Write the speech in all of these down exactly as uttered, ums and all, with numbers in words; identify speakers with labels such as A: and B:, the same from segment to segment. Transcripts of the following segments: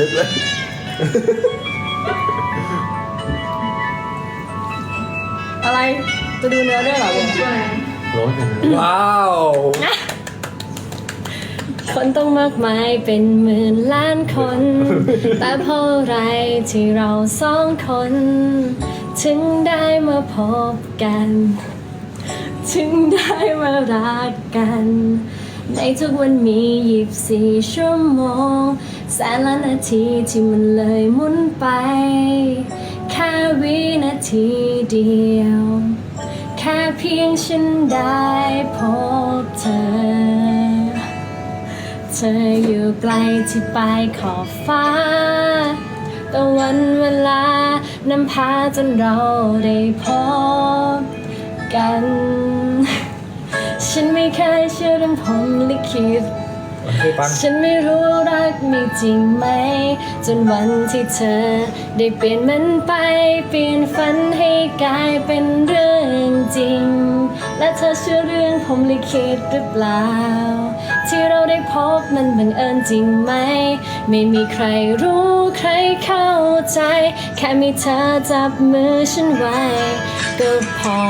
A: ลึกเลย
B: อะไรจะดูเนื้อด้วยเหรอเบล
A: ร้อนจังเลย
C: ว้าว
B: คนต้องมากมายเป็นหมื่นล้านคน แต่เพราะอะไรที่เราสองคน ถึงได้มาพบกัน ถึงได้มารักกัน ในทุกวันมียี่สิบสี่ชั่วโมงแสนล้านนาทีที่มันเลยหมุนไป แค่วินาทีเดียว แค่เพียงฉันได้พบเธอ เธออยู่ไกลที่ปลายขอบฟ้า แต่วันเวลานำพาจนเราได้พบกัน ฉันไม่เคยเชื่อเรื่องพรหมลิขิต ฉันไม่รู้รักมีจริงไหม จนวันที่เธอได้เปลี่ยนมันไปเปลี่ยนฝันให้กลายเป็นเรื่องจริง และเธอเชื่อเรื่องพรหมลิขิตหรือเปล่า ที่เราได้พบมันบังเอิญจริงไหม ไม่มีใครรู้ใครเข้าใจ แค่มีเธอจับมือฉันไว้ก็พอ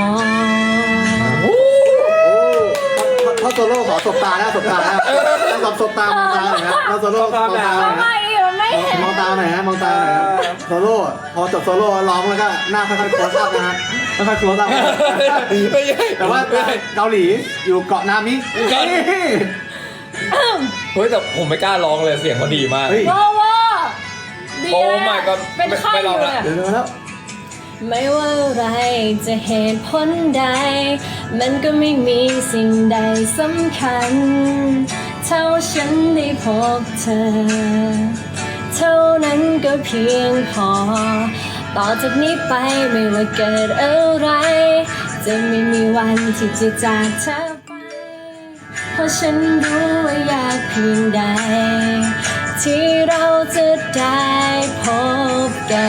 A: ถ้าโซโล่ขอสบตาแล้วสบตาแล้วต้องสบตามองตาหน่อยนะถ้าโซโล่มองตาหน่อยนะ
B: ไม่มันไม่เห็น
A: มองตาหน่อยฮะมองตาหน่อยนะโซโล่พอจบโซโล่ร้องแล้วก็หน้าค่อยๆโคลอัพนะฮะค่อยๆโคลอัพแต่ว่าเกาหลีอยู่เกาะนามิ
C: เฮ้ยแต่ผมไม่กล้าร้องเลยเสียงเขาดีมาก
A: เฮ้ย
B: ว้าวว้าดี
C: โอ้
B: เลย
C: my god
B: เป็นไข้
C: ไม่
B: อ
C: ลอง
B: ยู่
C: ละ
B: เลย
A: เดี๋ยวแล้ว
B: ไม่ว่าอะไรจะเหตุผลใด มันก็ไม่มีสิ่งใดสำคัญ เท่าฉันได้พบเธอ เท่านั้นก็เพียงพอ ต่อจากนี้ไปไม่ว่าเกิดอะไร จะไม่มีวันที่จะจากเธอไป เพราะฉันรู้ว่ายากเพียงใด ที่เราจะได้พบกัน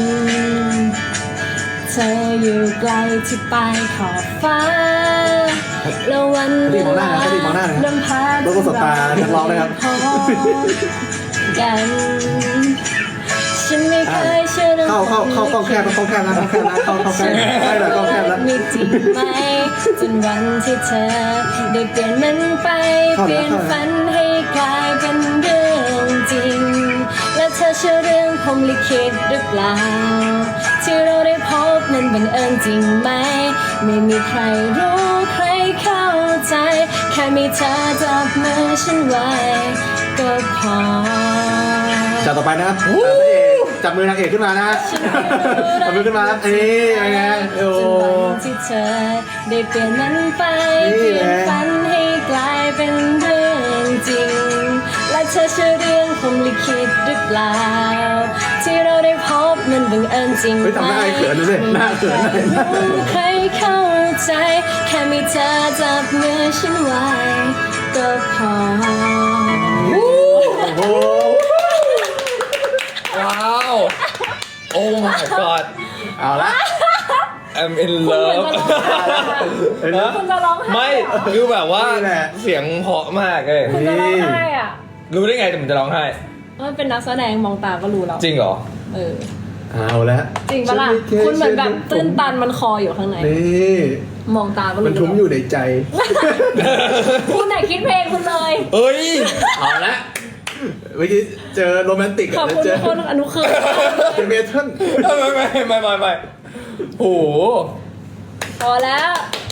B: เธออยู่ไกลที่ปลายขอบฟ้า แล้ววันเวลานำพา
A: แล้วก็สบตานักร้องนะครับ
B: พบกัน ฉันไม่เคยเชื่อเรื่อง
A: เข้าเข้าเข้ากล้องแคบเข้าแคบนะเข้าแคบนะเข้าเข้าแคบได้เลยกล้องแคบแล้ว
B: มีจริงไหมจนวันที่เธอได้เปลี่ยนมันไปเปลี่ยนฝันให้กลายเป็นเรื่องจริง และเธอเชื่อเรื่องพรหมลิขิตหรือเปล่า ที่เราได้พบนั้นบังเอิญจริงไหม ไม่มีใครรู้ใครเข้าใจ แค่มีเธอจับมือฉันไว้ก็พอ
A: จับต่อไปนะครับพระเอกจับมือนางเอกขึ้นมานะจับมือขึ้นมาครับนี่ยังไงโอ้
B: จนวันที่เธอได้เปลี่ยนมันไปเปลี่ยนฝันให้กลายเป็นเรื่องจริง และเธอเชื่อเรื่องพรหมลิขิตหรือเปล่า ที่เราได้พบมันบังเอิญจริงไหม
A: เฮ้ยทำหน้าให้เขินดูสิหน้าเขินเลย
B: รู้ใครเข้าใจ แค่มีเธอจับมือฉันไว้ก็พอ
A: โอ้โห
C: ว้าว โอ้ my god
A: เอาละ
C: I'm in love
B: คุณจะร้องไห้
C: ไม่คือแบบว่า
A: นี่แหละ
C: เสียงเพราะมากเลย
B: คุณจะร้องไห้อ่ะ
C: รู้ได้ไงแต่ผมจะร้องไห้
B: มันเป็นนักแสดงมองตาก็รู้แล้ว
C: จริงเหรอ
B: เออ
A: เอาละ
B: จริงปะล่ะ คุณเหมือนแบบตื้นตันมันคออยู่ข้างใน
A: นี่
B: มองตาก็รู้
A: มันทุ้มอยู่ในใจ
B: คุณไหนคิดเพลงคุณเลย
C: เอ้ย
A: เอาละเมื่อกี้เจอโรแมนติก
B: ขอบคุณ
A: เจ
B: ทุ
A: อก
B: คนอนุคืน
A: เจอเมทัล
C: ไม่ไม่ไม่ไม่ไม่โอ้โห
B: พอแล้ว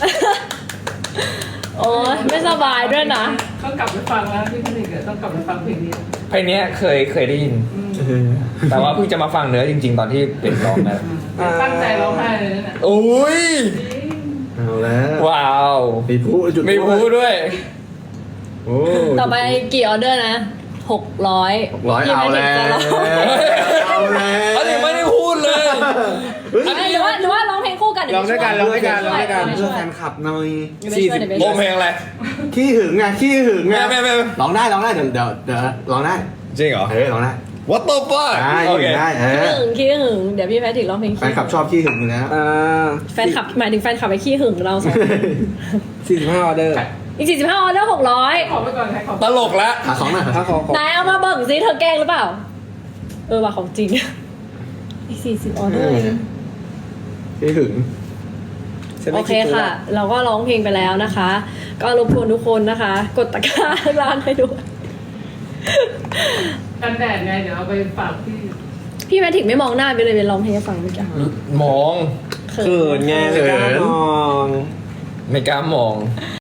B: โอ้ยไม่สบายด้วยนะ
D: ต้องกลับไปฟังแล้วพี่คนหนึ่งต้องกลับไปฟังเพลงนี้
C: เพลงเนี้ยเคยเคยได้ยิน แต่ว่าเพิ่งจะมาฟังเนื้อจริง ๆ ตอนที่เป็นร้องนะ
D: ตั้งใจร้องไห้เลยนะ
C: โอ้ย
A: เอาแล้ว
C: ว้าว
A: มีผู้จุด
C: ไม่พูดด้วย
A: โอ้
B: ต่อไปกี่ออเดอร์นะหกร้อย
A: ร้อยเอาแล้วเอาแล้ว
C: อันนี้ไม่ได้พูดเลย
B: หรือว่าหรือว่าร้องเพลงคู่กัน
A: ลองด้วยกันลองด้วยกันลองด้วยกัน
B: ช่
A: เพื่
B: ว
A: อย แฟนคลับหน่อย
B: สี่
A: สี่
B: สิ
A: สิ
B: บ
A: บ
C: โอเพลงอะไร
A: ขี้หึงไงขี้หึงไง
C: ไม่ไม่ไม่
A: ร้องได้ร้องได้เดี๋ยวเดี๋ยวเดี๋ยวร้องได้
C: จริงเหรอ
A: เออร้องได้
C: What the fuck
A: ได้
C: โอ
A: หึ
C: เค
A: งได้เอ
B: ขี้
A: อ
B: หึงขี้หึงเดี๋ยวพี่แพทริกร้องเพลง
A: แฟนคลับชอบขี้หึงอยู่แล้ว
E: อ่า
B: แฟนคลับหมายถึงแฟนคลับไปขี้หึงเราสอง
E: สี่สิบห้าออเดอร์
B: อีกสี่สิบห้าออเดอร์หกร้อย
D: ขอไปก่อนใครขอ
C: ตลกแล้ว
A: ขาของหน่อย
E: ถ้าขอขอ
B: นายเอามาเบิ่งซิเธอแกล้งหรือเปล่าเออว่าของจริง อีกสี่สิบออเดอร์เอง
A: ไม่ถึง
E: ฉัน
B: โอ
E: ไม่
B: เค
E: คิดตัว
B: ค่ะ เราก็ร้องเพลงไปแล้วนะคะ ก็รบกวนทุกคนนะคะ กดตะกร้าร้านให้ด้วย
D: กันแดดไงเดี๋ยวเอาไปฝากพี่
B: พี่แมทริกไม่มองหน้าไปเลยเป็นร้องเพลงให้ฟังเมื่อกี้
C: มอง
B: เขิ
E: เขิน
B: น
E: ไงไม่กล้ามอง
C: ไม่กล้ามอง